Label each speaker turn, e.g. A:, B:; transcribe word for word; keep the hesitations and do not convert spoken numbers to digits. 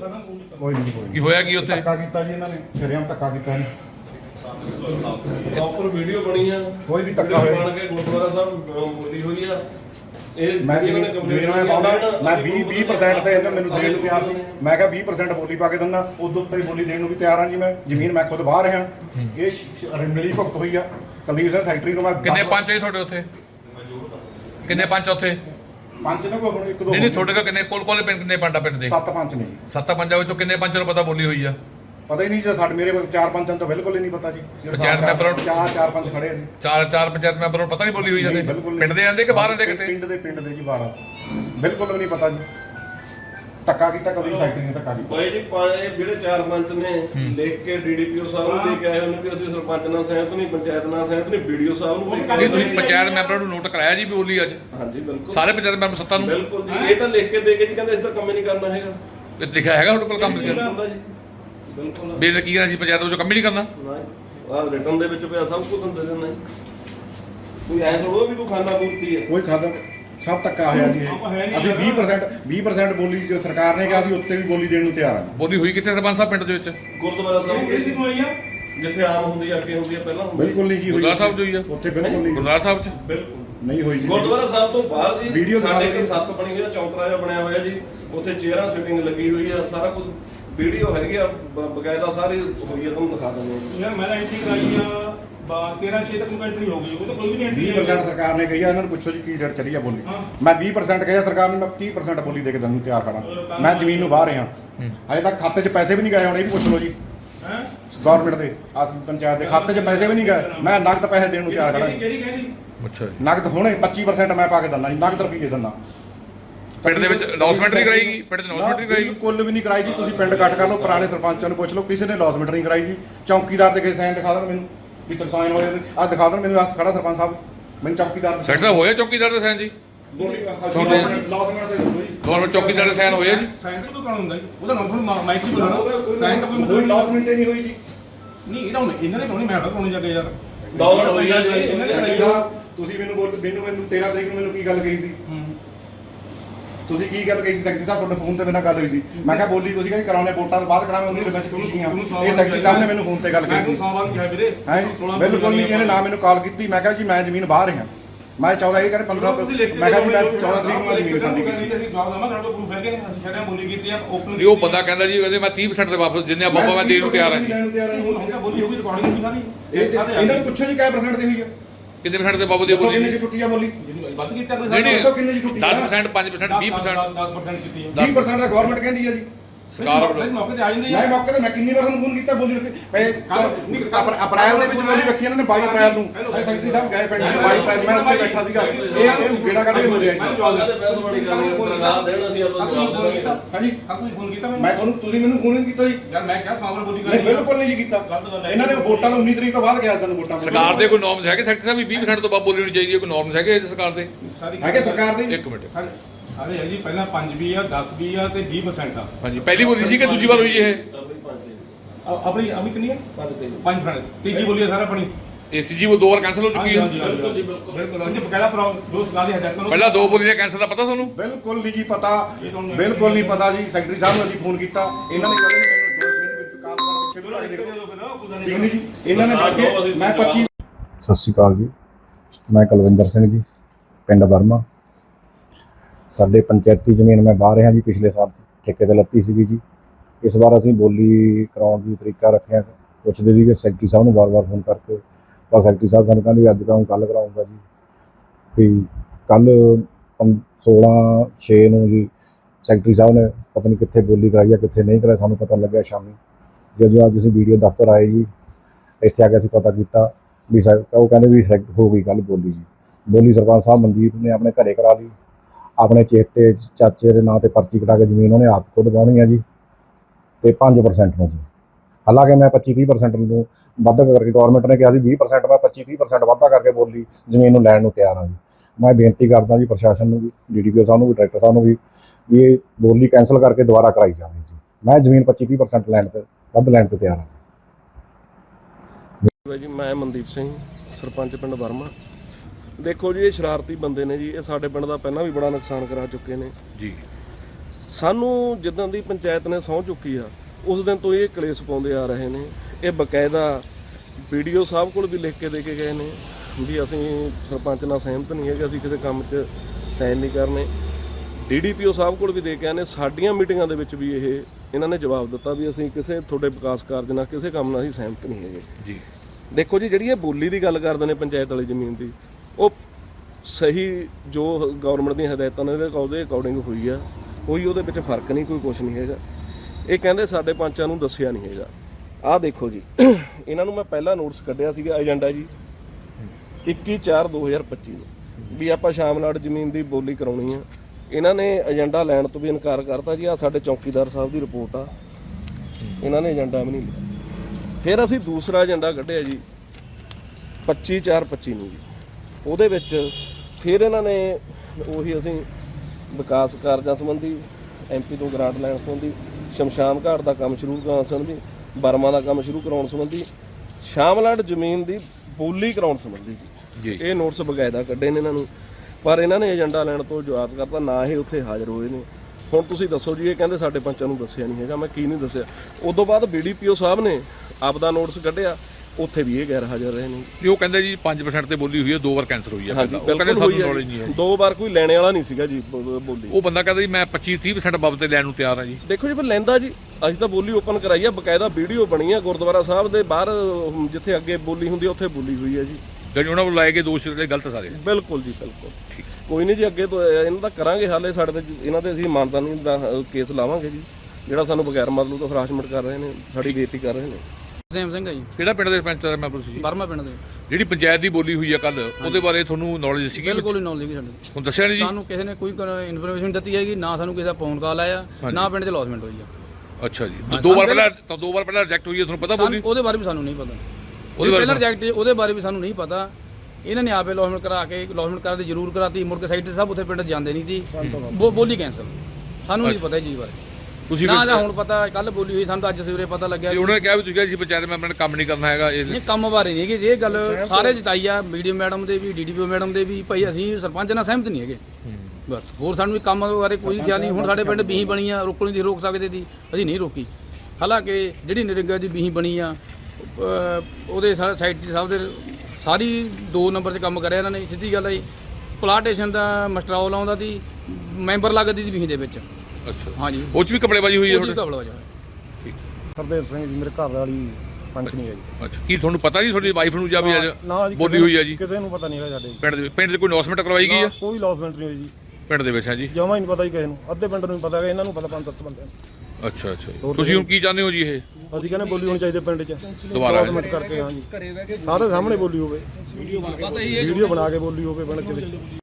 A: ਕੋਈ ਨਹੀਂ ਕੋਈ
B: ਕੀ ਹੋਇਆ ਕੀ ਉੱਥੇ?
A: ਧੱਕਾ ਕੀਤਾ ਜੀ ਇਹਨਾਂ ਨੇ, ਸ਼ਰੇਆਮ ਧੱਕਾ ਕੀਤਾ ਨੇ।
C: ਪ੍ਰੋਪਰ ਵੀਡੀਓ ਬਣੀ ਆ,
A: ਕੋਈ ਵੀ ਧੱਕਾ ਹੋਇਆ
C: ਬਣ ਕੇ ਗੁਰਦੁਆਰਾ ਸਾਹਿਬ ਬੋਲੀ ਹੋਈ ਆ। ਇਹ
A: ਮੈਂ ਜਿਵੇਂ ਜਿਵੇਂ ਮੈਂ ਪਾਉਂਦਾ ਮੈਂ ਵੀਹ ਵੀਹ percent ਤੇ ਇਹਨਾਂ ਮੈਨੂੰ ਦੇਣ ਨੂੰ ਤਿਆਰ ਸੀ। ਮੈਂ ਕਿਹਾ ਵੀਹ percent ਬੋਲੀ ਪਾ ਕੇ ਦਿੰਦਾ, ਉਦੋਂ ਉੱਤੇ ਬੋਲੀ ਦੇਣ ਨੂੰ ਵੀ ਤਿਆਰ ਹਾਂ ਜੀ। ਮੈਂ ਜ਼ਮੀਨ ਮੈਂ ਖੁਦ ਬਾਹਰ ਰਿਹਾ, ਇਹ ਮਿਲੀ ਭੁਗਤ ਹੋਈ ਆ ਕੁਲਦੀਪ ਸਿੰਘ ਸੈਕਟਰੀ ਨੂੰ। ਮੈਂ
B: ਕਿੰਨੇ ਪੰਚ ਹੈ ਤੁਹਾਡੇ ਉੱਥੇ? ਕਿੰਨੇ ਪੰਚ ਉੱਥੇ?
A: ਪੰਜ ਨੇ ਕੋਈ ਹੁਣ ਇੱਕ ਦੋ
B: ਨਹੀਂ ਨਹੀਂ ਤੁਹਾਡੇ ਕੋਲ ਕਿੰਨੇ ਕੋਲ ਕੋਲੇ ਪਿੰਡ ਕਿੰਨੇ ਪੰਡਾ ਪਿੰਡ ਦੇ?
A: ਸੱਤ ਪੰਚ ਨੇ ਜੀ।
B: ਸੱਤ ਪੰਜਾਂ ਵਿੱਚੋਂ ਕਿੰਨੇ ਪੰਚਾਂ ਨੂੰ ਪਤਾ ਬੋਲੀ ਹੋਈ ਆ?
A: ਪਤਾ ਹੀ ਨਹੀਂ ਜੀ, ਸਾਡੇ ਮੇਰੇ ਚਾਰ ਪੰਚਾਂ ਤੋਂ ਬਿਲਕੁਲ ਹੀ ਨਹੀਂ ਪਤਾ ਜੀ।
B: ਪੰਚਾਇਤ ਮੈਂਬਰਾਂ ਨੂੰ
A: ਚਾਰ ਚਾਰ ਪੰਜ ਖੜੇ ਆ ਜੀ।
B: ਚਾਰ ਚਾਰ ਪੰਚਾਇਤ ਮੈਂਬਰਾਂ ਨੂੰ ਪਤਾ ਨਹੀਂ ਬੋਲੀ ਹੋਈ ਜਾਂਦੇ? ਪਿੰਡ ਦੇ ਜਾਂਦੇ ਕਿ ਬਾਹਰ ਜਾਂਦੇ ਕਿਤੇ?
A: ਪਿੰਡ ਦੇ ਪਿੰਡ ਦੇ ਜੀ ਬਾੜਾ ਬਿਲਕੁਲ ਵੀ ਨਹੀਂ ਪਤਾ ਜੀ। ਧੱਕਾ ਕੀਤਾ ਕਦੀ ਸੈਕਟਰੀ ਨੇ ਧੱਕਾ ਕੀਤਾ।
C: ਭਾਈ ਜੀ ਪੰਜ ਜਿਹੜੇ ਚਾਰ ਪੰਚ ਨੇ ਲਿਖ ਕੇ ਡੀਡੀਪੀਓ ਸਾਹਿਬ ਨੂੰ ਦੇ ਕੇ ਆਏ ਉਹਨੇ ਵੀ ਅਸੀਂ ਸਰਪੰਚ ਨਾਲ ਸਹਿਮਤ ਨਹੀਂ, ਪੰਚਾਇਤ ਨਾਲ ਸਹਿਮਤ ਨਹੀਂ, ਵੀਡੀਓ ਸਾਹਿਬ ਨੂੰ ਦੇ ਕੇ
B: ਇਹ ਤੁਸੀਂ ਪੰਚਾਇਤ ਮੈਂਬਰਾਂ ਨੂੰ ਨੋਟ ਕਰਾਇਆ ਜੀ ਵੀ ਬੋਲੀ ਅੱਜ?
C: ਹਾਂਜੀ ਬਿਲਕੁਲ
B: ਸਾਰੇ ਪੰਚਾਇਤ ਮੈਂਬਰ ਸੱਤਾਂ ਨੂੰ?
C: ਬਿਲਕੁਲ ਜੀ। ਇਹ ਤਾਂ ਲਿਖ ਕੇ ਦੇ ਕੇ ਜੀ ਕਹਿੰਦੇ ਅਸੀਂ ਤਾਂ ਕੰਮ ਹੀ ਨਹੀਂ ਕਰਨਾ ਹੈਗਾ।
B: ਤੇ ਲਿਖਿਆ ਹੈਗਾ ਤੁਹਾਡੇ ਕੋਲ ਕੰਮ
C: ਬਿਲਕੁਲ ਜੀ ਬਿਲਕੁਲ।
B: ਵੀ ਕੀ ਕਹਿੰਦਾ ਸੀ ਪੰਚਾਇਤ ਵਿੱਚੋਂ ਕੰਮ ਹੀ ਨਹੀਂ ਕਰਨਾ?
C: ਆਹ ਰਿਟਰਨ ਦੇ ਵਿੱਚ ਪਿਆ ਸਭ ਕੁਝ ਦਿੰਦੇ ਦਿੰਦੇ ਕੋਈ ਐਂ ਥੋੜੋ ਵੀ ਕੋਈ ਖਾਨਾ ਪੂਰਤੀ ਹੈ।
A: ਕੋਈ ਖਾਦਾ ਸਭ ਧੱਕਾ ਹੋਇਆ ਜੀ ਇਹ। ਅਸੀਂ ਵੀਹ percent ਵੀਹ percent ਬੋਲੀ ਜੋ ਸਰਕਾਰ ਨੇ ਕਿਹਾ ਅਸੀਂ ਉੱਤੇ ਵੀ ਬੋਲੀ ਦੇਣ ਨੂੰ ਤਿਆਰ ਹਾਂ।
B: ਬੋਲੀ ਹੋਈ ਕਿੱਥੇ ਸਰਪੰਚ ਸਾਹਿਬ ਪਿੰਡ ਦੇ ਵਿੱਚ?
C: ਗੁਰਦੁਆਰਾ ਸਾਹਿਬ ਕਿਹੜੀ ਹੋਈ ਆ ਜਿੱਥੇ ਆਮ ਹੁੰਦੀ ਆ, ਅੱਗੇ ਹੁੰਦੀ ਆ, ਪਹਿਲਾਂ ਹੁੰਦੀ
A: ਬਿਲਕੁਲ ਨਹੀਂ ਜੀ ਹੋਈ।
B: ਗੁਰਦੁਆਰਾ ਸਾਹਿਬ 'ਚ ਹੋਈ ਆ?
A: ਉੱਥੇ ਬਿਲਕੁਲ ਨਹੀਂ
B: ਗੁਰਦੁਆਰਾ ਸਾਹਿਬ 'ਚ
C: ਬਿਲਕੁਲ
A: ਨਹੀਂ ਹੋਈ ਜੀ।
C: ਗੁਰਦੁਆਰਾ ਸਾਹਿਬ ਤੋਂ ਬਾਹਰ ਜੀ
A: ਵੀਡੀਓ ਦਿਖਾ
C: ਸਾਡੇ
A: ਦਿਓ।
C: ਇੱਕ ਸੱਤ ਬਣੀ ਹੋਈ ਆ, ਚੌਂਤਰਾ ਜਿਹਾ ਬਣਿਆ ਹੋਇਆ ਜੀ। ਉੱਥੇ ਚੇਅਰਾਂ ਸਿਟਿੰਗ ਲੱਗੀ ਹੋਈ ਆ, ਸਾਰਾ ਕੁਝ ਵੀਡੀਓ ਹੈਗੀ ਆ, ਬ- ਬਕਾਇਦਾ ਸਾਰੀ ਹੋਈ ਆ, ਤੁਹਾਨੂੰ ਦਿਖਾ ਦਿੰਦੇ ਹਾਂ।
D: ਯਾਰ ਮੈਂ ਤਾਂ ਐਂਟਰੀ ਕਰਾਈ ਆ ਤੇਰਾਂ ਛੇ ਤੱਕ ਐਂਟਰੀ ਹੋ ਗਈ, ਉਹ ਤਾਂ ਕੋਈ ਵੀ ਨਹੀਂ ਐਂਟਰੀ।
A: ਵੀਹ percent ਸਰਕਾਰ ਨੇ ਕਹੀ ਆ, ਇਹਨਾਂ ਨੂੰ ਪੁੱਛੋ ਜੀ ਕੀ ਰੇਟ ਚੜੀ ਆ ਬੋਲੀ।
D: ਹਾਂ।
A: ਮੈਂ ਵੀਹ percent ਕਿਹਾ ਸਰਕਾਰ ਨੇ, ਮੈਂ ਤੀਹ percent ਬੋਲੀ ਦੇ ਕੇ ਦੇਣ ਨੂੰ ਤਿਆਰ ਖੜਾ। ਮੈਂ ਜ਼ਮੀਨ ਨੂੰ ਬਾਹਰ ਰਿਹਾ, ਹਜੇ ਤੱਕ ਖਾਤੇ 'ਚ ਪੈਸੇ ਵੀ ਨਹੀਂ ਗਏ। ਹੁਣ ਇਹ ਵੀ ਪੁੱਛ ਲਓ ਜੀ
D: ਹੈ
A: ਗਵਰਨਮੈਂਟ ਦੇ ਆਸ ਪੰਚਾਇਤ ਦੇ ਖਾਤੇ 'ਚ ਪੈਸੇ ਵੀ ਨਹੀਂ ਗਏ। ਮੈਂ ਨਗਦ ਪੈਸੇ ਦੇਣ ਨੂੰ ਤਿਆਰ ਖੜਾ ਜੀ।
D: ਕਿਹੜੀ ਕਹਿੰਦੀ
B: ਅੱਛਾ ਜੀ।
A: ਨਗਦ ਹੁਣੇ ਪੱਚੀ percent ਮੈਂ ਪਾ ਕੇ ਦਿੰਦਾ ਜੀ, ਨਗਦ ਰੁਪਈਏ ਦਿੰਦਾ।
B: ਪਿੰਡ ਦੇ ਵਿੱਚ ਅਨਾਉਂਸਮੈਂਟ ਨਹੀਂ ਕਰਾਈ ਗਈ? ਪਿੰਡ 'ਚ ਅਨਾਉਂਸਮੈਂਟ ਨਹੀਂ ਕਰਾਈ ਗਈ?
A: ਬਿਲਕੁਲ ਵੀ ਨਹੀਂ ਕਰਾਈ ਜੀ। ਤੁਸੀਂ ਪਿੰਡ ਕੱਟ ਕਰ ਲਓ, ਪੁਰਾਣੇ ਸਰਪੰਚਾਂ ਨੂੰ ਪੁੱਛ ਲਓ, ਕਿਸੇ ਨੇ ਅਨਾਉਂਸਮੈਂਟ ਨਹੀਂ ਕਰਾਈ ਜੀ। ਚੌਕੀਦਾਰ ਦੇ ਕੇ ਸਾਈਨ ਦਿਖਾ ਦੇਣ ਮੈਨੂੰ ਵੀ ਸਾਈਨ ਹੋਏ। ਆਹ ਦਿਖਾ ਦੇਣ ਮੈਨੂੰ, ਆਹ ਖੜਾ ਸਰਪੰਚ ਸਾਹਿਬ, ਮੈਨੂੰ ਚੌਕੀਦਾਰ ਦੇ
B: ਸੈਕਟਰ ਸਾਹਿਬ ਹੋਇਆ ਚੌਕੀਦਾਰ ਦੇ ਸਾਈਨ ਜੀ?
A: ਬੋਲੀ ਅਨਾਉਂਸਮੈਂਟ ਦੇ ਦੱਸੋ ਜੀ।
B: ਗਵਰਨਮੈਂਟ ਚੌਕੀਦਾਰ ਦੇ ਸਾਈਨ ਹੋਏ ਜੀ?
D: ਸਾਈਨ ਤਾਂ ਕੌਣ ਹੁੰਦਾ ਜੀ? ਉਹਦਾ ਨਾਮ ਤੁਹਾਨੂੰ ਮਾਈਕ ਹੀ ਬੁਲਾਣਾ। ਸਾਈਨ ਤਾਂ ਕੋਈ
A: ਕੋਈ ਅਨਾਉਂਸਮੈਂਟ ਹੀ ਨਹੀਂ ਹੋਈ ਜੀ।
D: ਨਹੀਂ, ਇਹਦਾ ਹੁਣ ਇਹਨਾਂ ਨੇ ਕੌਣੀ ਮੈਂ ਹਟਾ ਕੋਣੀ ਜਾ ਕੇ ਯਾਰ
C: ਡਾਊਨ ਹੋਈ ਆ ਜੀ
D: ਇਹਨਾਂ ਨੇ
A: ਸੈਕਟਰੀ ਸਾਹਿਬ ਤੁਸੀਂ ਮੈਨੂੰ ਬੋਲ ਮੈਨੂੰ ਮੈਨੂੰ ਤੇਰਾਂ ਤਰੀਕ ਨੂੰ ਮੈਨੂੰ ਕੀ ਗੱਲ ਕਹੀ ਸੀ? ਤੁਸੀਂ ਕੀ ਗੱਲ ਕਹੀ ਸੀ ਸੈਕਟਰੀ ਸਾਹਿਬ? ਤੁਹਾਡੇ ਫੋਨ ਤੇ ਮੇਰੇ ਨਾਲ ਗੱਲ ਹੋਈ ਸੀ। ਮੈਂ ਕਿਹਾ ਬੋਲੀ ਤੁਸੀਂ ਕਹਿੰਦੇ ਕਰਾਉਣੇ ਵੋਟਾਂ ਤੋਂ ਬਾਅਦ ਕਰਾਵੇਂ, ਉਹਨੇ ਰਿਵੈਸ ਕੀਤੀਆਂ। ਇਹ ਸੈਕਟਰੀ ਸਾਹਿਬ ਨੇ ਮੈਨੂੰ ਫੋਨ ਤੇ ਗੱਲ ਕਹੀ ਸੀ।
D: ਸੌ ਵਾਰ ਕਿਹਾ ਵੀਰੇ
A: ਹੈ ਬਿਲਕੁਲ ਨਹੀਂ, ਇਹਨੇ ਨਾ ਮੈਨੂੰ ਕਾਲ ਕੀਤੀ। ਮੈਂ ਕਿਹਾ ਜੀ ਮੈਂ ਜ਼ਮੀਨ ਬਾਹਰ ਹਾਂ। ਮੈਂ ਚੌਦਾਂ ਇਹ ਕਹਿੰਦੇ ਪੰਦਰਾਂ ਤੋਂ ਮੈਂ ਕਿਹਾ ਜੀ ਮੈਂ ਚੌਦਾਂ ਤਰੀਕ ਨੂੰ ਮੈਂ ਜ਼ਮੀਨ ਖਾਲੀ ਕੀਤੀ।
D: ਅਸੀਂ ਜਵਾਬ ਦਵਾਂਗੇ, ਸਾਡੇ ਕੋਲ ਪ੍ਰੂਫ ਹੈਗੇ ਨੇ, ਅਸੀਂ ਸ਼ਰਿਆਂ ਬੋਲੀ ਕੀਤੀ ਆ ਓਪਨ।
B: ਨਹੀਂ ਉਹ ਬੰਦਾ ਕਹਿੰਦਾ ਜੀ ਕਹਿੰਦੇ ਮੈਂ ਤੀਹ percent ਦੇ ਵਾਪਸ ਜਿੰਨੇ ਬਾਬਾ ਮੈਂ ਦੇਣ ਨੂੰ ਤਿਆਰ ਹਾਂ ਜੀ।
A: ਲੈਣ ਨੂੰ ਤਿਆਰ ਹਾਂ ਜੀ।
D: ਹੁਣ ਬੋਲੀ ਹੋਊਗੀ ਰਿਕਾਰਡਿੰਗ ਹੋਊਗੀ ਸਾਰੀ।
A: ਇਹ ਇਹਨਾਂ ਨੂੰ ਪੁੱਛੋ ਜੀ ਕਿੰਨੇ percent ਦੀ ਹੋਈ ਆ?
B: ਕਿੰਨੇ percent ਦੇ ਬਾਬੂ ਦੀ
A: ਦੱਸੋ
B: ਬੋਲੀ?
A: ਕਿੰਨੇ ਚ ਟੁੱਟੀ ਆ ਬੋਲੀ?
D: ਵੱਧ ਕੀਤਾ ਕੋਈ
B: ਨਹੀਂ ਨਹੀਂ
A: ਦੱਸੋ ਕਿੰਨੇ ਚ ਟੁੱਟੀ ਆ?
B: ਦਸ percent ਪੰਜ percent ਵੀਹ percent
D: ਦਸ percent ਕੀਤੀ ਹੈ।
A: ਵੀਹ percent ਦਾ ਗਵਰਨਮੈਂਟ ਕਹਿੰਦੀ ਆ ਜੀ।
B: ਸਰਕਾਰ ਵੱਲੋਂ।
D: ਮੌਕੇ ਤੇ ਆ ਜਾਂਦੇ
A: ਨਹੀਂ ਮੌਕੇ ਤੇ ਮੈਂ ਕਿੰਨੀ ਵਾਰ ਤੁਹਾਨੂੰ ਫੋਨ ਕੀਤਾ ਬੋਲੀ ਰੱਖੀ ਅਪ੍ਰੈਲ ਦੇ ਵਿੱਚ ਬੋਲੀ ਰੱਖੀ ਇਹਨਾਂ ਨੇ ਬਾਈ ਅਪ੍ਰੈਲ ਨੂੰ। ਇਹ ਸੈਕਟਰੀ ਸਾਹਿਬ ਗਏ ਪਿੰਡ ਬਾਈ ਅਪ੍ਰੈਲ ਮੈਂ ਉੱਥੇ ਬੈਠਾ ਸੀਗਾ। ਇਹ ਇਹ ਗੇੜਾ ਕੱਢ ਕੇ ਬੋਲਿਆ ਜੀ। ਹਾਂਜੀ
D: ਤੁਸੀਂ ਫੋਨ ਕੀਤਾ
A: ਮੈਂ ਤੁਹਾਨੂੰ ਤੁਸੀਂ ਮੈਨੂੰ ਫੋਨ ਨਹੀਂ ਕੀਤਾ ਜੀ।
D: ਯਾਰ ਮੈਂ ਕਿਹਾ ਸਾਹਮਣੇ ਬੋਲੀ
A: ਨਹੀਂ ਬਿਲਕੁਲ ਨਹੀਂ ਜੀ ਕੀਤਾ। ਇਹਨਾਂ ਨੇ ਵੋਟਾਂ ਨੂੰ ਉੱਨੀ ਤਰੀਕ ਤੋਂ ਬਾਅਦ ਕਿਹਾ ਸਾਨੂੰ ਵੋਟਾਂ
B: ਸਰਕਾਰ ਦੇ ਕੋਈ ਨੋਰਮਸ ਹੈਗੇ ਸੈਕਟਰ ਸਾਹਿਬ ਵੀ ਵੀਹ percent ਤੋਂ ਬਾਅਦ ਬੋਲੀ ਹੋਣੀ ਚਾਹੀਦੀ ਹੈ? ਕੋਈ ਨੋਰਮਸ ਹੈਗੇ ਸਰਕਾਰ ਦੇ?
A: ਹੈਗੇ ਸਰਕਾਰ ਦੇ?
B: ਇੱਕ ਮਿੰਟ
D: ਸਾਰੇ ਸਾਰੇ ਹੈ ਜੀ, ਪਹਿਲਾਂ ਪੰਜ ਵੀ ਆ, ਦਸ ਵੀ ਆ ਤੇ ਵੀਹ percent ਆ।
B: ਹਾਂਜੀ ਪਹਿਲੀ ਬੋਲੀ ਸੀ ਕਿ ਦੂਜੀ ਵਾਰ ਹੋਈ ਜੀ ਇਹ?
D: ਆਪਣੀ ਆਪਣੀ ਕਿੰਨੀ ਆ? ਪੰਜ percent ਤੀਜੀ ਬੋਲੀ ਆ ਸਾਰਾ ਆਪਣੀ।
B: ਇਹ ਸੀ ਜੀ ਉਹ ਦੋ ਵਾਰ ਕੈਂਸਲ ਹੋ ਚੁੱਕੀ ਹੈ?
D: ਬਿਲਕੁਲ ਜੀ ਬਿਲਕੁਲ ਬਿਲਕੁਲ। ਅਸੀਂ ਬਕਾਇਦਾ ਪ੍ਰੋ ਦੋਸਤ ਨਾਲ ਹੀ ਹਜ਼ਾਰ ਕਰੋ।
B: ਪਹਿਲਾਂ ਦੋ ਬੋਲੀ ਦਾ ਕੈਂਸਲ ਦਾ ਪਤਾ ਤੁਹਾਨੂੰ?
A: ਬਿਲਕੁਲ ਨਹੀਂ ਜੀ ਪਤਾ, ਬਿਲਕੁਲ ਨਹੀਂ ਪਤਾ ਜੀ। ਸੈਕਟਰੀ ਸਾਹਿਬ ਨੂੰ ਅਸੀਂ ਫੋਨ ਕੀਤਾ, ਇਹਨਾਂ ਨੇ ਕਹਿੰਦੇ ਮੈਨੂੰ ਦੋ ਮਿੰਟ ਵਿੱਚ ਕਾਲ ਕਰ ਪਿੱਛੇ ਬੁਲਾ ਕੇ ਦੇਖੋ। ਠੀਕ ਨਹੀਂ ਜੀ, ਇਹਨਾਂ ਨੇ ਬਾਕੀ ਮੈਂ ਪੱਚੀ। ਸਤਿ ਸ਼੍ਰੀ ਅਕਾਲ ਜੀ, ਮੈਂ ਕੁਲਵਿੰਦਰ ਸਿੰਘ ਜੀ, ਪਿੰਡ ਬਰਮਾ। ਸਾਡੇ ਪੰਚਾਇਤੀ ਜ਼ਮੀਨ ਮੈਂ ਬਾਹਰ ਰਿਹਾ ਜੀ, ਪਿਛਲੇ ਸਾਲ ਠੇਕੇ ਤੇ ਲੱਤੀ ਸੀਗੀ ਜੀ। ਇਸ ਵਾਰ ਅਸੀਂ ਬੋਲੀ ਕਰਾਉਣ ਦੀ ਤਰੀਕਾ ਰੱਖਿਆ, ਪੁੱਛਦੇ ਸੀਗੇ ਸੈਕਟਰੀ ਸਾਹਿਬ ਨੂੰ ਵਾਰ-ਵਾਰ ਫੋਨ ਕਰਕੇ। ਪਰ ਸੈਕਟਰੀ ਸਾਹਿਬ ਸਾਨੂੰ ਕਹਿੰਦੇ ਵੀ ਅੱਜ ਕਰਾਉਂ ਕੱਲ੍ਹ ਕਰਾਊਂਗਾ ਜੀ। ਵੀ ਕੱਲ੍ਹ ਸੋਲਾਂ ਛੇ ਨੂੰ ਜੀ ਸੈਕਟਰੀ ਸਾਹਿਬ ਨੇ ਪਤਾ ਨਹੀਂ ਕਿੱਥੇ ਬੋਲੀ ਕਰਾਈ ਆ ਕਿੱਥੇ ਨਹੀਂ ਕਰਾਈ, ਸਾਨੂੰ ਪਤਾ ਲੱਗਿਆ ਸ਼ਾਮੀ। ਜਦੋਂ ਅੱਜ ਅਸੀਂ ਵੀਡੀਓ ਦਫ਼ਤਰ ਆਏ ਜੀ, ਇੱਥੇ ਆ ਕੇ ਅਸੀਂ ਪਤਾ ਕੀਤਾ ਵੀ ਉਹ ਕਹਿੰਦੇ ਵੀ ਸੈਕਟ ਹੋ ਗਈ ਕੱਲ੍ਹ ਬੋਲੀ ਜੀ। ਬੋਲੀ ਸਰਪੰਚ ਸਾਹਿਬ ਮਨਦੀਪ ਨੇ ਆਪਣੇ ਘਰੇ ਕਰਾ ਲਈ, ਆਪਣੇ ਚੇਤੇ ਚਾਚੇ ਦੇ ਨਾਂ ਤੇ ਪਰਚੀ ਕਟਾ ਕੇ ਜ਼ਮੀਨ ਉਹਨੇ ਆਪ ਖੁਦ ਵਾਹੁਣੀ ਆ ਜੀ, ਤੇ ਪੰਜ percent ਨੂੰ ਜੀ। ਹਾਲਾਂਕਿ ਮੈਂ ਪੱਚੀ ਤੀਹ percent ਨੂੰ ਵਾਧਾ ਕਰਕੇ, ਗੌਰਮੈਂਟ ਨੇ ਕਿਹਾ ਸੀ ਵੀਹ percent, ਮੈਂ ਪੱਚੀ ਤੀਹ percent ਵਾਧਾ ਕਰਕੇ ਬੋਲੀ ਜ਼ਮੀਨ ਨੂੰ ਲੈਣ ਨੂੰ ਤਿਆਰ ਹਾਂ ਜੀ। ਮੈਂ ਬੇਨਤੀ ਕਰਦਾ ਜੀ ਪ੍ਰਸ਼ਾਸਨ ਨੂੰ ਵੀ, ਡੀਡੀਪੀਓ ਸਾਹਿਬ ਨੂੰ ਵੀ, ਡਾਇਰੈਕਟਰ ਸਾਹਿਬ ਨੂੰ ਵੀ, ਵੀ ਇਹ ਬੋਲੀ ਕੈਂਸਲ ਕਰਕੇ ਦੁਬਾਰਾ ਕਰਾਈ ਜਾਵੇ ਜੀ। ਮੈਂ ਜ਼ਮੀਨ ਪੱਚੀ ਤੀਹ percent ਲੈਣ ਤੇ ਵੱਧ ਲੈਣ ਤੇ ਤਿਆਰ ਹਾਂ
C: ਜੀ। ਮੈਂ ਮਨਦੀਪ ਸਿੰਘ, ਸਰਪੰਚ ਪਿੰਡ ਬਰਮਾ। ਦੇਖੋ ਜੀ, ਇਹ ਸ਼ਰਾਰਤੀ ਬੰਦੇ ਨੇ ਜੀ, ਇਹ ਸਾਡੇ ਪਿੰਡ ਦਾ ਪਹਿਲਾਂ ਵੀ ਬੜਾ ਨੁਕਸਾਨ ਕਰਾ ਚੁੱਕੇ ਨੇ
B: ਜੀ।
C: ਸਾਨੂੰ ਜਿੱਦਾਂ ਦੀ ਪੰਚਾਇਤ ਨੇ ਸਹੁੰ ਚੁੱਕੀ ਆ ਉਸ ਦਿਨ ਤੋਂ ਇਹ ਕਲੇਸ਼ ਪਾਉਂਦੇ ਆ ਰਹੇ ਨੇ। ਇਹ ਬਕਾਇਦਾ ਵੀਡੀਓ ਸਾਹਿਬ ਕੋਲ ਵੀ ਲਿਖ ਕੇ ਦੇ ਕੇ ਗਏ ਨੇ ਵੀ ਅਸੀਂ ਸਰਪੰਚ ਨਾਲ ਸਹਿਮਤ ਨਹੀਂ ਹੈਗੇ, ਅਸੀਂ ਕਿਸੇ ਕੰਮ 'ਚ ਸਾਈਨ ਨਹੀਂ ਕਰਨੇ। ਡੀਡੀਪੀਓ ਸਾਹਿਬ ਕੋਲ ਵੀ ਦੇ ਕੇ ਆਏ ਨੇ। ਸਾਡੀਆਂ ਮੀਟਿੰਗਾਂ ਦੇ ਵਿੱਚ ਵੀ ਇਹ ਇਹਨਾਂ ਨੇ ਜਵਾਬ ਦਿੱਤਾ ਵੀ ਅਸੀਂ ਕਿਸੇ ਤੁਹਾਡੇ ਵਿਕਾਸ ਕਾਰਜ ਨਾਲ ਕਿਸੇ ਕੰਮ ਨਾਲ ਅਸੀਂ ਸਹਿਮਤ ਨਹੀਂ ਹੈਗੇ
B: ਜੀ।
C: ਦੇਖੋ ਜੀ, ਜਿਹੜੀ ਇਹ ਬੋਲੀ ਦੀ ਗੱਲ ਕਰਦੇ ਨੇ ਪੰਚਾਇਤ ਵਾਲੀ ਜ਼ਮੀਨ ਦੀ, ਉਹ ਸਹੀ ਜੋ ਗਵਰਨਮੈਂਟ ਦੀਆਂ ਹਦਾਇਤਾਂ ਨੇ ਉਹਦੇ ਅਕੋਰਡਿੰਗ ਹੋਈ ਆ, ਕੋਈ ਉਹਦੇ ਵਿੱਚ ਫਰਕ ਨਹੀਂ, ਕੋਈ ਕੁਛ ਨਹੀਂ ਹੈਗਾ। ਇਹ ਕਹਿੰਦੇ ਸਾਡੇ ਪੰਚਾਂ ਨੂੰ ਦੱਸਿਆ ਨਹੀਂ ਹੈਗਾ। ਆਹ ਦੇਖੋ ਜੀ, ਇਹਨਾਂ ਨੂੰ ਮੈਂ ਪਹਿਲਾ ਨੋਟਿਸ ਕੱਢਿਆ ਸੀਗਾ ਏਜੰਡਾ ਜੀ ਇੱਕੀ ਚਾਰ ਦੋ ਹਜ਼ਾਰ ਪੱਚੀ ਨੂੰ ਵੀ ਆਪਾਂ ਸ਼ਾਮਲਾਟ ਜ਼ਮੀਨ ਦੀ ਬੋਲੀ ਕਰਾਉਣੀ ਆ। ਇਹਨਾਂ ਨੇ ਏਜੰਡਾ ਲੈਣ ਤੋਂ ਵੀ ਇਨਕਾਰ ਕਰਤਾ ਜੀ। ਆ ਸਾਡੇ ਚੌਕੀਦਾਰ ਸਾਹਿਬ ਦੀ ਰਿਪੋਰਟ ਆ, ਇਹਨਾਂ ਨੇ ਏਜੰਡਾ ਵੀ ਨਹੀਂ ਲਿਆ। ਫਿਰ ਅਸੀਂ ਦੂਸਰਾ ਏਜੰਡਾ ਕੱਢਿਆ ਜੀ ਪੱਚੀ ਚਾਰ ਪੱਚੀ ਨੂੰ ਜੀ। ਉਹਦੇ ਵਿੱਚ ਫਿਰ ਇਹਨਾਂ ਨੇ ਉਹੀ ਅਸੀਂ ਵਿਕਾਸ ਕਾਰਜਾਂ ਸੰਬੰਧੀ, ਐਮਪੀ ਤੋਂ ਗ੍ਰਾਂਟ ਲੈਣ ਸੰਬੰਧੀ, ਸ਼ਮਸ਼ਾਨ ਘਾਟ ਦਾ ਕੰਮ ਸ਼ੁਰੂ ਕਰਾਉਣ ਸੰਬੰਧੀ, ਬਰਮਾ ਦਾ ਕੰਮ ਸ਼ੁਰੂ ਕਰਾਉਣ ਸੰਬੰਧੀ, ਸ਼ਾਮਲਾਟ ਜ਼ਮੀਨ ਦੀ ਬੋਲੀ ਕਰਾਉਣ ਸੰਬੰਧੀ ਜੀ ਇਹ ਨੋਟਿਸ ਬਕਾਇਦਾ ਕੱਢੇ ਨੇ ਇਹਨਾਂ ਨੂੰ। ਪਰ ਇਹਨਾਂ ਨੇ ਏਜੰਡਾ ਲੈਣ ਤੋਂ ਜਵਾਬ ਕਰਤਾ, ਨਾ ਇਹ ਉੱਥੇ ਹਾਜ਼ਰ ਹੋਏ ਨੇ। ਹੁਣ ਤੁਸੀਂ ਦੱਸੋ ਜੀ, ਇਹ ਕਹਿੰਦੇ ਸਾਡੇ ਪੰਚਾਂ ਨੂੰ ਦੱਸਿਆ ਨਹੀਂ ਹੈਗਾ। ਮੈਂ ਕੀ ਨਹੀਂ ਦੱਸਿਆ? ਉਦੋਂ ਬਾਅਦ ਬੀਡੀਪੀਓ ਸਾਹਿਬ ਨੇ ਆਪਦਾ ਨੋਟਿਸ ਕੱਢਿਆ, ਉੱਥੇ ਵੀ ਇਹ ਗੈਰ ਹਾਜ਼ਰ ਰਹੇ ਨੇ।
B: ਵੀ ਉਹ ਕਹਿੰਦੇ ਜੀ ਪੰਜ ਪਰਸੈਂਟ ਤੇ ਬੋਲੀ ਹੋਈ ਹੈ, ਦੋ ਵਾਰ ਕੈਂਸਲ ਹੋਈ ਹੈ।
C: ਹਾਂਜੀ,
B: ਉਹ ਕਹਿੰਦੇ ਸਾਨੂੰ ਨੌਲੇਜ ਨਹੀਂ ਹੈ।
C: ਦੋ ਵਾਰ ਕੋਈ ਲੈਣੇ ਵਾਲਾ ਨਹੀਂ ਸੀਗਾ ਜੀ ਬੋ- ਬੋਲੀ।
B: ਉਹ ਬੰਦਾ ਕਹਿੰਦਾ ਜੀ ਮੈਂ ਪੱਚੀ ਤੀਹ ਪਰਸੈਂਟ ਬਾਬਤ ਤੇ ਲੈਣ ਨੂੰ ਤਿਆਰ ਹਾਂ ਜੀ।
C: ਦੇਖੋ ਜੀ, ਫਿਰ ਲੈਂਦਾ ਜੀ। ਅਸੀਂ ਤਾਂ ਬੋਲੀ ਓਪਨ ਕਰਾਈ ਆ, ਬਕਾਇਦਾ ਵੀਡੀਓ ਬਣੀ ਆ ਗੁਰਦੁਆਰਾ ਸਾਹਿਬ ਦੇ ਬਾਹਰ, ਜਿੱਥੇ ਅੱਗੇ ਬੋਲੀ ਹੁੰਦੀ ਆ ਉੱਥੇ ਬੋਲੀ ਹੋਈ ਆ ਜੀ।
B: ਜਿਹੜੀ ਉਹਨਾਂ ਨੂੰ ਲਾਏ ਗਏ ਦੋਸ਼ ਜਿਹੜੇ ਗਲਤ ਸਾਰੇ।
C: ਬਿਲਕੁਲ ਜੀ, ਬਿਲਕੁਲ। ਕੋਈ ਨਹੀਂ ਜੀ, ਅੱਗੇ ਤੋਂ ਇਹਨਾਂ ਦਾ ਕਰਾਂਗੇ ਹਾਲੇ। ਸਾਡੇ ਤੇ ਇਹਨਾਂ ਤੇ ਅਸੀਂ ਮਾਨਤਾ ਨਹੀਂ ਦਾ ਕੇਸ ਲਾਵਾਂਗੇ ਜੀ, ਜਿਹੜਾ ਸਾਨੂੰ ਬਗੈਰ ਮਤਲਬ ਤੋਂ ਹਰਾਸਮੈਂਟ ਕਰ ਰਹੇ ਨੇ, ਸਾਡੀ ਬੇਇੱਜ਼ਤੀ ਕਰ ਰਹੇ ਨੇ।
E: ਸੇਮ ਸਿੰਘ ਹੈ ਜੀ,
B: ਕਿਹੜਾ ਪਿੰਡ ਦੇ ਸਰਪੰਚ ਦਾ ਮੈਂਬਰ ਸੀ ਜੀ?
E: ਬਰਮਾ ਪਿੰਡ ਦੇ।
B: ਜਿਹੜੀ ਪੰਚਾਇਤ ਦੀ ਬੋਲੀ ਹੋਈ ਆ ਕੱਲ, ਉਹਦੇ ਬਾਰੇ ਤੁਹਾਨੂੰ ਨੌਲੇਜ ਸੀਗੀ?
E: ਬਿਲਕੁਲ ਹੀ ਨੌਲੇਜ ਨਹੀਂ ਸਾਡੇ।
B: ਹੁਣ ਦੱਸਿਆ ਨਹੀਂ ਜੀ?
E: ਸਾਨੂੰ ਕਿਸੇ ਨੇ ਕੋਈ ਇਨਫੋਰਮੇਸ਼ਨ ਦਿੱਤੀ ਹੈਗੀ ਨਾ, ਸਾਨੂੰ ਕਿਸੇ ਦਾ ਫੋਨ ਕਾਲ ਆਇਆ, ਨਾ ਪਿੰਡ 'ਚ ਲੌਸਮੈਂਟ ਹੋਈ ਆ।
B: ਅੱਛਾ ਜੀ। ਦੋ ਵਾਰ ਪਹਿਲਾਂ ਤਾਂ ਦੋ ਵਾਰ ਪਹਿਲਾਂ ਰਿਜੈਕਟ ਹੋਈ ਹੈ, ਤੁਹਾਨੂੰ ਪਤਾ ਬੋਲੀ?
E: ਸਾਨੂੰ ਉਹਦੇ ਬਾਰੇ ਵੀ ਸਾਨੂੰ ਨਹੀਂ ਪਤਾ। ਉਹਦੇ ਪਹਿਲਾਂ ਰਿਜੈਕਟ, ਉਹਦੇ ਬਾਰੇ ਵੀ ਸਾਨੂੰ ਨਹੀਂ ਪਤਾ। ਇਹਨਾਂ ਨੇ ਆਪੇ ਲੌਸਮੈਂਟ ਕਰਾ ਕੇ, ਲੌਸਮੈਂਟ ਕਰਾ ਦੀ ਜ਼ਰੂਰ ਕਰਾਤੀ, ਮੁੜ ਕੇ ਸਾਈਡ ਤੇ ਸਭ ਉੱਥੇ ਪਿੰਡ ਜਾਂਦੇ ਨਹੀਂ ਜੀ। ਬੋ- ਬੋਲੀ ਕੈਂਸਲ। ਸਾਨੂੰ ਨਹੀਂ ਪਤਾ ਇਹ ਚੀਜ਼ ਬਾਰੇ।
B: ਤੁਸੀਂ
E: ਨਾ ਜਾਂ ਹੁਣ ਪਤਾ, ਕੱਲ ਬੋਲੀ ਹੋਈ, ਸਾਨੂੰ ਤਾਂ ਅੱਜ ਸਵੇਰੇ ਪਤਾ ਲੱਗਿਆ।
B: ਉਹਨਾਂ ਨੇ ਕਿਹਾ ਵੀ ਤੁਸੀਂ ਕਿਹਾ ਜੀ ਪੰਚਾਇਤ ਮੈਂਬਰ ਨੇ ਕੰਮ ਨਹੀਂ ਕਰਨਾ ਹੈਗਾ। ਇਹ
E: ਨਹੀਂ, ਕੰਮ ਬਾਰੇ ਨਹੀਂ ਹੈਗੀ ਇਹ ਗੱਲ, ਸਾਰੇ ਜਿਤਾਈ ਆ, ਵੀਡੀਓ ਮੈਡਮ ਦੇ ਵੀ, ਡੀਡੀਪੀਓ ਮੈਡਮ ਦੇ ਵੀ, ਭਾਈ ਅਸੀਂ ਸਰਪੰਚ ਨਾਲ ਸਹਿਮਤ ਨਹੀਂ ਹੈਗੇ ਬਸ। ਹੋਰ ਸਾਨੂੰ ਵੀ ਕੰਮ ਬਾਰੇ ਕੋਈ ਖਿਆਲ ਨਹੀਂ। ਹੁਣ ਸਾਡੇ ਪਿੰਡ ਬੀਹੀ ਬਣੀ ਆ, ਰੋਕਣੀ ਦੀ ਰੋਕ ਸਕਦੇ ਸੀ, ਅਸੀਂ ਨਹੀਂ ਰੋਕੀ। ਹਾਲਾਂਕਿ ਜਿਹੜੀ ਨਰਿੰਗਾ ਦੀ ਬੀਹੀ ਬਣੀ ਆ, ਉਹਦੇ ਸਾਰੇ ਸਾਈਡ ਤੇ ਸਭ ਦੇ ਸਾਰੀ ਦੋ ਨੰਬਰ 'ਚ ਕੰਮ ਕਰਿਆ ਇਹਨਾਂ ਨੇ। ਸਿੱਧੀ ਗੱਲ ਹੈ ਜੀ, ਪਲਾਟੇਸ਼ਨ ਦਾ ਮਸਟਰਾਉਲ ਆਉਂਦਾ ਸੀ, ਮੈਂਬਰ ਲੱਗਦੀ ਸੀ ਬੀਹੀ ਦੇ ਵਿੱਚ।
B: ਅੱਛਾ,
E: ਹਾਂਜੀ,
B: ਉਹ 'ਚ ਵੀ ਕਪੜੇਬਾਜੀ ਹੋਈ ਹੈ
E: ਉਹਦੀ
B: ਤੁਹਾਡੇ?
E: ਕਬਲ ਵਜ੍ਹਾ।
F: ਹਰਦੇਵ ਸਿੰਘ ਜੀ, ਮੇਰੇ ਘਰ ਵਾਲੀ ਪੰਚ ਨਹੀਂ ਹੈ ਜੀ।
B: ਅੱਛਾ, ਕੀ ਤੁਹਾਨੂੰ ਪਤਾ ਜੀ ਤੁਹਾਡੀ ਵਾਈਫ ਨੂੰ ਜਾਂ ਵੀ ਅੱਜ
F: ਨਾ ਜੀ,
B: ਬੋਲੀ
F: ਕਿਸੇ
B: ਹੋਈ ਹੈ ਜੀ?
F: ਕਿਸੇ ਨੂੰ ਪਤਾ ਨਹੀਂ ਹੈਗਾ ਸਾਡੇ
B: ਪਿੰਡ ਦੇ ਪਿੰਡ 'ਚ ਕੋਈ ਅਨਾਉਂਸਮੈਂਟ ਕਰਵਾਈ ਗਈ
F: ਨਾ,
B: ਆ
F: ਕੋਈ ਲੌਸਮੈਂਟ ਨਹੀਂ ਹੋਈ ਜੀ
B: ਪਿੰਡ ਦੇ ਵਿੱਚ? ਹੈ ਜੀ,
F: ਜਮਾ ਹੀ ਨਹੀਂ ਪਤਾ ਜੀ ਕਿਸੇ ਨੂੰ। ਅੱਧੇ ਪਿੰਡ ਨੂੰ ਪਤਾ ਹੈਗਾ, ਇਹਨਾਂ ਨੂੰ ਪਤਾ ਪੰਜ ਸੱਤ ਬੰਦੇ ਨੂੰ।
B: ਅੱਛਾ ਅੱਛਾ ਜੀ। ਤੁਸੀਂ ਹੁਣ ਕੀ ਚਾਹੁੰਦੇ ਹੋ ਜੀ? ਇਹ
F: ਅਸੀਂ ਕਹਿੰਦੇ ਬੋਲੀ ਹੋਣੀ ਚਾਹੀਦੀ ਪਿੰਡ 'ਚ
B: ਦੁਬਾਰਾ
F: ਲੌਸਮੈਂਟ ਕਰਕੇ। ਹਾਂ ਜੀ, ਸਾਰੇ ਸਾਹਮਣੇ ਬੋਲੀ ਹੋਵੇ, ਵੀਡੀਓ ਬਣਾ ਕੇ ਬੋਲੀ ਹੋਵੇ ਪਿੰਡ ਦੇ ਵਿੱਚ।